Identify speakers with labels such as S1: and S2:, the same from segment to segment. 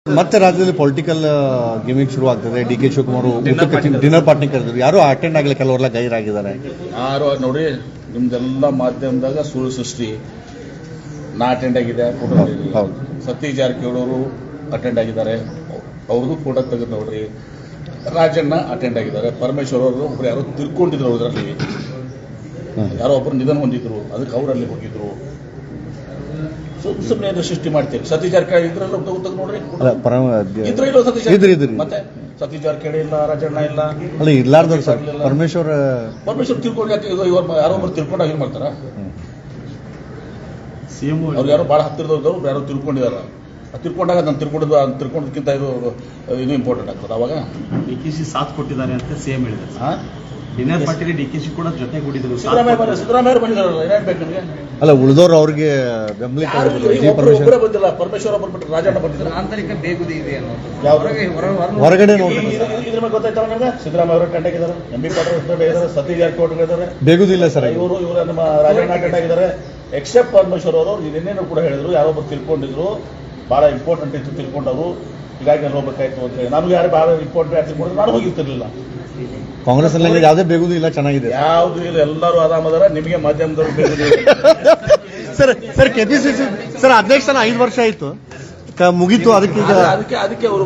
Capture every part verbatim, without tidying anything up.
S1: ಮತ್ತೆ ರಾಜ್ಯದಲ್ಲಿ political gaming ಶುರು ಆಗ್ತದೆ. D K Shivakumar dinner party ಕರೆದ್ರು, ಯಾರು ಅಟೆಂಡ್ ಆಗಲಿ, ಕೆಲವರೆಲ್ಲ ಗೈರಾಗಿದ್ದಾರೆ.
S2: ಯಾರು ನೋಡಿ, ನಿಮ್ದೆಲ್ಲ ಮಾಧ್ಯಮದಾಗ ಸುಳ್ಳು ಸೃಷ್ಟಿ. ನಾ ಅಟೆಂಡ್ ಆಗಿದೆ, ಫೋಟೋ
S1: ಹೌದು.
S2: ಸತೀಶ್ ಜಾರಕಿಹೊಳಿ ಅವರು ಅಟೆಂಡ್ ಆಗಿದ್ದಾರೆ, ಅವ್ರದ್ದು ಫೋಟೋ ತೆಗೆದು ನೋಡ್ರಿ. ರಾಜಣ್ಣ ಅಟೆಂಡ್ ಆಗಿದ್ದಾರೆ. ಪರಮೇಶ್ವರ್ ಅವರು ಒಬ್ರು ಯಾರೋ ತಿರ್ಕೊಂಡಿದ್ರು, ಅದರಲ್ಲಿ ಯಾರೋ ಒಬ್ಬರು ನಿಧನ ಹೊಂದಿದ್ರು, ಅದಕ್ಕೆ ಅವರಲ್ಲಿ ಹೋಗಿದ್ರು. ಸುಮ್ ಸುಮ್ಮನೆ ಸೃಷ್ಟಿ ಮಾಡ್ತೀವಿ. ಸತೀಶ್ ಜಾರಕಿಹೊಳಿ ಇದ್ರಲ್ಲ ತೆಗೆದು ನೋಡ್ರಿ, ಇದ್ರ ಇಲ್ಲ ಸತೀಶ್ ಜಾರಕಿಹೊಳಿ. ಮತ್ತೆ ಸತೀಶ್ ಜಾರಕಿಹೊಳಿ ಇಲ್ಲ, ರಾಜಣ್ಣ ಇಲ್ಲ,
S1: ಅಲ್ಲ ಇರ್ಲಾರ್ದವ್ರು ಸರ್. ಪರಮೇಶ್ವರ್
S2: ಪರಮೇಶ್ವರ್ ತಿಳ್ಕೊಂಡು ಯಾಕೆ ಯಾರೋ ಒಬ್ರು ತಿಳ್ಕೊಂಡಾಗ ಏನ್ ಮಾಡ್ತಾರ? ಅವ್ರು ಯಾರೋ ಬಹಳ ಹತ್ತಿರದವ್ರು ಯಾರೋ ತಿಳ್ಕೊಂಡಿದಾರ. ತಿಳ್ಕೊಂಡಾಗ ನಾನು ತಿಳ್ಕೊಂಡಿದ್ದು ತಿಳ್ಕೊಂಡದಕ್ಕಿಂತ ಇದು ಇನ್ನೂ ಇಂಪಾರ್ಟೆಂಟ್ ಆಗ್ತದೆ. ಅವಾಗ
S3: ಡಿ ಕೆ ಶಿ ಸಾಥ್ ಕೊಟ್ಟಿದ್ದಾರೆ ಅಂತ ಸಿಎಂ ಹೇಳಿದ್ದಾರೆ. ಡಿನ್ನರ್ ಪಾರ್ಟಿಲಿ ಡಿ ಕೆ ಶಿ ಕೂಡ ಜೊತೆಗೂಡಿದ್ರು.
S2: ಸಿದ್ದರಾಮಯ್ಯ ಸಿದ್ದರಾಮಯ್ಯ ಬಂದಿದ್ದಾರಲ್ಲ, ಏನೇನ್ ಬೇಕು ನಿಮಗೆ?
S1: ಅಲ್ಲ ಉಳಿದವ್ರು ಅವ್ರಿಗೆ ಬೆಂಬಲಿತ
S2: ಬಂದಿಲ್ಲ. ಪರಮೇಶ್ವರ ಬಂದ್ಬಿಟ್ಟು ರಾಜಣ್ಣ ಬಂದಿದ್ದಾರೆ.
S4: ಆಂತರಿಕ ಬೇಗುದಿ ಇದೆ
S1: ಹೊರಗಡೆ ನೋಡಿ.
S2: ಇದ್ರ ಮೇಲೆ ಗೊತ್ತಾಯ್ತಲ್ಲ ನಿಮಗೆ? ಸಿದ್ದರಾಮಯ್ಯ ಅವರು ಅಟೆಂಡ್ ಆಗಿದ್ದಾರೆ, ಎಂ ಬಿ ಪಾಟೀಲ್ ಇದ್ದಾರೆ, ಸತೀಶ್ ಜಾರಕಿಹೊಳಿ ಇದ್ದಾರೆ.
S1: ಬೇಗುದಿಲ್ಲ ಸರ್.
S2: ಇವರು ಇವರು ನಮ್ಮ ರಾಜಣ್ಣ ಅಟೆಂಡ್ ಆಗಿದ್ದಾರೆ. ಎಕ್ಸೆಪ್ಟ್ ಪರಮೇಶ್ವರ್ ಅವರು ಇನ್ನೇನು ಕೂಡ ಹೇಳಿದ್ರು, ಯಾರೊಬ್ಬರು ತಿಳ್ಕೊಂಡಿದ್ರು, ಬಹಳ ಇಂಪಾರ್ಟೆಂಟ್ ಇತ್ತು ತಿಳ್ಕೊಂಡವರು, ಹೀಗಾಗಿ ನಾನು ಹೋಗ್ಬೇಕಾಯ್ತು ಅಂತ ಹೇಳಿ. ನಮ್ಗೆ ಯಾರು ಬಹಳ ಇಂಪಾರ್ಟೆಂಟ್ ಯಾರು ತಿಳ್ಕೊಂಡ್ರು ನಾನು ಹೋಗಿರ್ತಿರ್ಲಿಲ್ಲ.
S1: ಕಾಂಗ್ರೆಸ್ ಅಲ್ಲಿ ಯಾವುದೇ ಬೇಗುದು ಇಲ್ಲ, ಚೆನ್ನಾಗಿದೆ.
S2: ಯಾವ್ದು ಇಲ್ಲ, ಎಲ್ಲರೂ ಆರಾಮದಾರ. ನಿಮಗೆ ಮಾಧ್ಯಮದವರು ಬೇಗುದು
S1: ಸರ್. ಸರ್ ಕೆಪಿಸಿಸಿ ಸರ್ ಅಧ್ಯಕ್ಷನ ಐದು ವರ್ಷ ಆಯ್ತು, ಮುಗೀತು. ಅದಕ್ಕೆ ಈಗ
S2: ಅದಕ್ಕೆ ಅದಕ್ಕೆ ಅವರು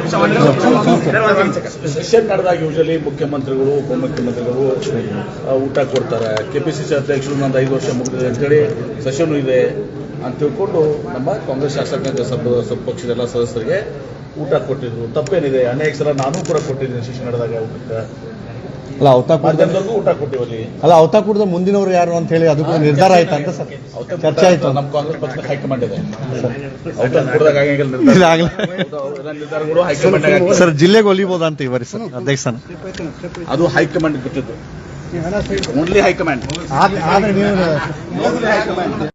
S2: ಸೆಷನ್ ನಡೆದಾಗ ಯೂಶಲಿ ಮುಖ್ಯಮಂತ್ರಿಗಳು, ಉಪಮುಖ್ಯಮಂತ್ರಿಗಳು ಊಟ ಕೊಡ್ತಾರೆ. ಕೆಪಿಸಿಸಿ ಅಧ್ಯಕ್ಷರು ನಂದು ಐದು ವರ್ಷ ಮುಗಿದಿದೆ ಅಂತೇಳಿ ಸೆಷನ್ ಇದೆ ಅಂತ ತಿಳ್ಕೊಂಡು ನಮ್ಮ ಕಾಂಗ್ರೆಸ್ ಶಾಸಕಾಂಗ ಸಭ ಪಕ್ಷದ ಎಲ್ಲ ಸದಸ್ಯರಿಗೆ ಊಟ ಕೊಟ್ಟಿದ್ರು. ತಪ್ಪೇನಿದೆ? ಅನೇಕ ಸಲ ನಾನು ಕೂಡ ಕೊಟ್ಟಿದ್ದೀನಿ ಸೆಷನ್ ನಡೆದಾಗ ಊಟಕ್ಕೆ.
S1: ಅಲ್ಲ ಅವತಾಕೂರ್ದವರೆಗೂ
S2: ಊಟ ಕೊಟ್ಟಿವಲ್ಲಿ.
S1: ಅಲ್ಲ ಅವತಾಕೂರ್ದ ಮುಂದಿನವರು ಯಾರು ಅಂತ ಹೇಳಿ ಅದಕ್ಕೂ ನಿರ್ಧಾರ ಆಯ್ತಾ ಅಂತ ಸರ್ ಚರ್ಚೆ ಆಯ್ತು.
S2: ನಮ್ಮ ಕಾಂಗ್ರೆಸ್ ಪಕ್ಷದ ಹೈಕಮಾಂಡ್ ಇದೆ. ಔತಾಕೂರ್ದಾಗ ನಿರ್ಧಾರಗಳು ಹೈಕಮಾಂಡ್.
S1: ಸರ್ ಜಿಲ್ಲೆಗೆ ಒಲಿಬಹುದಾ ಅಂತ ಇವರಿ ಸರ್ ಅಧ್ಯಕ್ಷನ?
S2: ಅದು ಹೈಕಮಾಂಡ್ ಗೊತ್ತಿದ್ದು, ಓನ್ಲಿ ಹೈಕಮಾಂಡ್.